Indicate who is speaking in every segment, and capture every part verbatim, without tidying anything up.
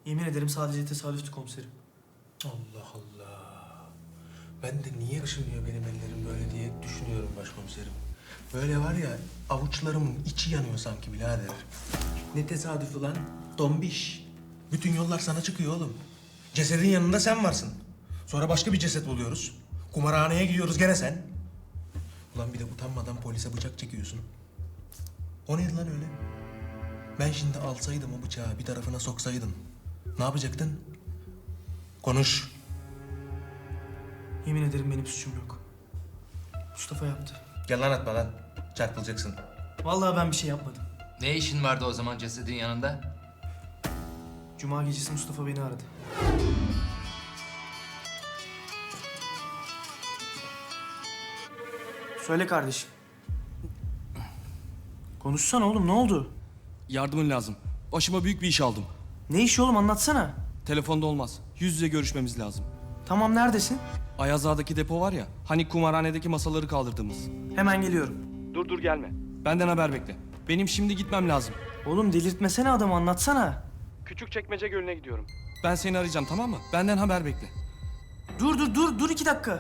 Speaker 1: Yemin ederim sadece tesadüftü komiserim.
Speaker 2: Allah Allah. Ben de niye ışınıyor benim ellerim böyle diye düşünüyorum başkomiserim. Böyle var ya, avuçlarımın içi yanıyor sanki birader. Ne tesadüfü lan? Dombiş. Bütün yollar sana çıkıyor oğlum. Cesedin yanında sen varsın. Sonra başka bir ceset buluyoruz. Kumarhaneye gidiyoruz gene sen. Ulan bir de utanmadan polise bıçak çekiyorsun. O neydi lan öyle? Ben şimdi alsaydım o bıçağı bir tarafına soksaydım. Ne yapacaktın? Konuş.
Speaker 1: Yemin ederim benim suçum yok. Mustafa yaptı.
Speaker 2: Yalan atma lan. Çarpılacaksın.
Speaker 1: Vallahi ben bir şey yapmadım.
Speaker 3: Ne işin vardı o zaman cesedin yanında?
Speaker 1: Cuma gecesi Mustafa beni aradı. Söyle kardeşim. Konuşsana oğlum, ne oldu?
Speaker 4: Yardımın lazım. Başıma büyük bir iş aldım.
Speaker 1: Ne işi oğlum, anlatsana.
Speaker 4: Telefonda olmaz. Yüz yüze görüşmemiz lazım.
Speaker 1: Tamam, neredesin?
Speaker 4: Ayaz Ağa'daki depo var ya, hani kumarhanedeki masaları kaldırdığımız.
Speaker 1: Hemen geliyorum.
Speaker 4: Dur dur gelme. Benden haber bekle. Benim şimdi gitmem lazım.
Speaker 1: Oğlum delirtmesene adamı, anlatsana.
Speaker 4: Küçükçekmece Gölü'ne gidiyorum. Ben seni arayacağım, tamam mı? Benden haber bekle.
Speaker 1: Dur dur dur dur iki dakika.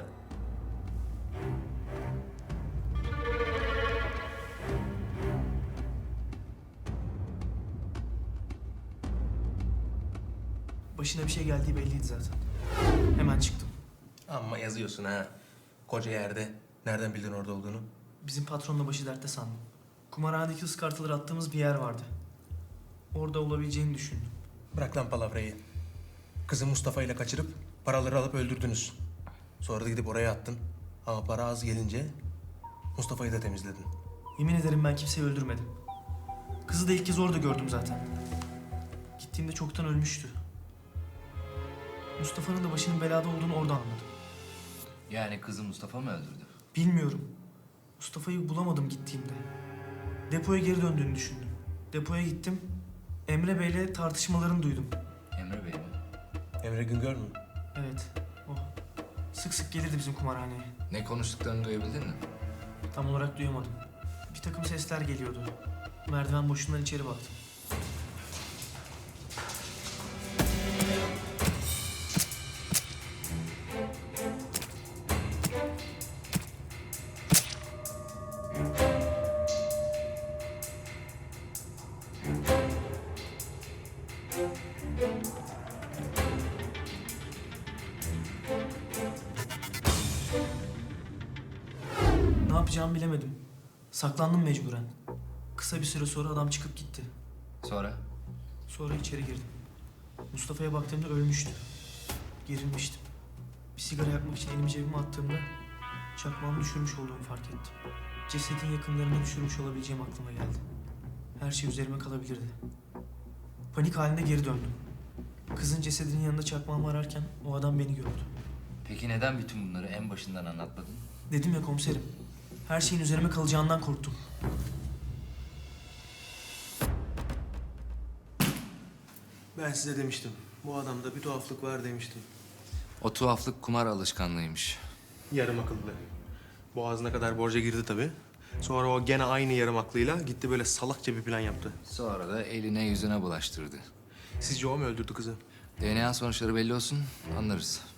Speaker 1: Başına bir şey geldiği belliydi zaten. Hemen çıktım.
Speaker 2: Amma yazıyorsun ha. Koca yerde. Nereden bildin orada olduğunu?
Speaker 1: Bizim patronla başı dertte sandım. Kumarhanedeki ıskartaları attığımız bir yer vardı. Orada olabileceğini düşündüm.
Speaker 2: Bırak lan palavrayı. Kızı Mustafa ile kaçırıp paraları alıp öldürdünüz. Sonra da gidip oraya attın. Ama para az gelince Mustafa'yı da temizledin.
Speaker 1: Yemin ederim ben kimseyi öldürmedim. Kızı da ilk kez orada gördüm zaten. Gittiğimde çoktan ölmüştü. Mustafa'nın da başının belada olduğunu orada anladım.
Speaker 3: Yani kızı Mustafa mı öldürdü?
Speaker 1: Bilmiyorum. Mustafa'yı bulamadım gittiğimde. Depoya geri döndüğünü düşündüm. Depoya gittim. Emre Bey'le tartışmalarını duydum.
Speaker 3: Emre Bey mi?
Speaker 2: Emre Güngör mü?
Speaker 1: Evet, o. Sık sık gelirdi bizim kumarhaneye.
Speaker 3: Ne konuştuklarını duyabildin mi?
Speaker 1: Tam olarak duyamadım. Bir takım sesler geliyordu. Merdiven boşluğundan içeri baktım. Ne yapacağımı bilemedim. Saklandım mecburen. Kısa bir süre sonra adam çıkıp gitti.
Speaker 3: Sonra?
Speaker 1: Sonra içeri girdim. Mustafa'ya baktığımda ölmüştü. Gerilmiştim. Bir sigara yakmak için elimi cebime attığımda çakmağımı düşürmüş olduğumu fark ettim. Cesedin yakınlarına düşürmüş olabileceğim aklıma geldi. Her şey üzerime kalabilirdi. Panik halinde geri döndüm. Kızın cesedinin yanında çakmağımı ararken o adam beni gördü.
Speaker 3: Peki neden bütün bunları en başından anlatmadın?
Speaker 1: Dedim ya komiserim, her şeyin üzerime kalacağından korktum.
Speaker 2: Ben size demiştim. Bu adamda bir tuhaflık var demiştim.
Speaker 3: O tuhaflık kumar alışkanlığıymış.
Speaker 2: Yarım akıllı. Boğazına kadar borca girdi tabii. Sonra o gene aynı yarım aklıyla gitti böyle salakça bir plan yaptı.
Speaker 3: Sonra da eline yüzüne bulaştırdı.
Speaker 2: Sizce o mu öldürdü kızı?
Speaker 3: D N A sonuçları belli olsun, anlarız.